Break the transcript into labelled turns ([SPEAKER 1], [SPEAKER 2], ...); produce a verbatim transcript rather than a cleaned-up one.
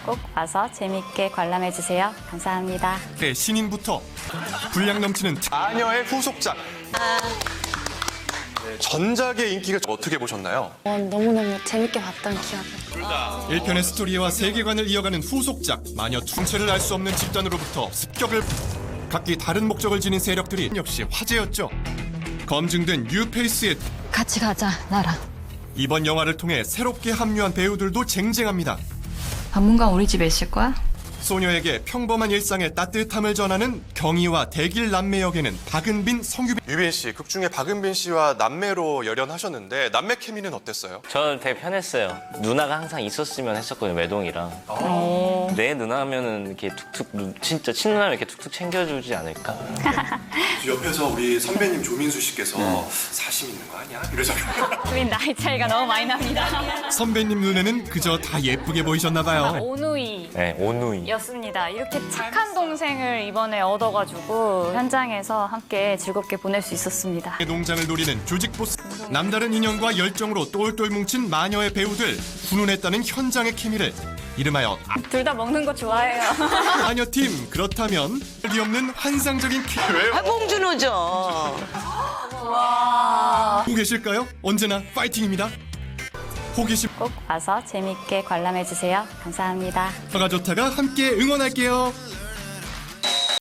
[SPEAKER 1] 꼭 와서 재밌게 관람해주세요. 감사합니다.
[SPEAKER 2] 네, 신인부터 분량 넘치는 특...
[SPEAKER 3] 마녀의 후속작. 네, 전작의 인기가 어떻게 보셨나요?
[SPEAKER 4] 어, 너무너무 재밌게 봤던 기억이.
[SPEAKER 2] 일 편의 스토리와 세계관을 이어가는 후속작 마녀 퉁체를 알 수 없는 집단으로부터 습격을 각기 다른 목적을 지닌 세력들이 역시 화제였죠. 검증된 뉴페이스의
[SPEAKER 4] 같이 가자, 나랑.
[SPEAKER 2] 이번 영화를 통해 새롭게 합류한 배우들도 쟁쟁합니다.
[SPEAKER 4] 당분간 우리 집에 있을 거야?
[SPEAKER 2] 소녀에게 평범한 일상의 따뜻함을 전하는 경희와 대길 남매 역에는 박은빈, 성유빈.
[SPEAKER 3] 유빈 씨, 극 중에 박은빈 씨와 남매로 열연하셨는데 남매 케미는 어땠어요?
[SPEAKER 5] 저는 되게 편했어요. 누나가 항상 있었으면 했었거든요, 외동이랑. 내 누나면은 이렇게 툭툭, 누- 진짜 친누나면 이렇게 툭툭 챙겨주지 않을까?
[SPEAKER 3] 옆에서 우리 선배님 조민수 씨께서 사심 있는 거 아니야? 이러잖아요.
[SPEAKER 1] 우린 나이 차이가 너무 많이 납니다.
[SPEAKER 2] 선배님 눈에는 그저 다 예쁘게 보이셨나 봐요.
[SPEAKER 1] 오누이.
[SPEAKER 5] 네, 오누이.
[SPEAKER 1] 였습니다. 이렇게 착한 동생을 이번에 얻어가지고 현장에서 함께 즐겁게 보낼 수 있었습니다.
[SPEAKER 2] 농장을 노리는 조직 보스. 남다른 인연과 열정으로 똘똘 뭉친 마녀의 배우들. 훈훈했다는 현장의 케미를 이름하여
[SPEAKER 1] 둘 다 먹는 거 좋아해요.
[SPEAKER 2] 마녀팀. 그렇다면 이 없는 환상적인 케미.
[SPEAKER 6] 아, 봉준호죠.
[SPEAKER 2] 보고 계실까요? 언제나 파이팅입니다. 호기심
[SPEAKER 1] 꼭 와서 재밌게 관람해주세요. 감사합니다.
[SPEAKER 2] 가 좋다가 함께 응원할게요.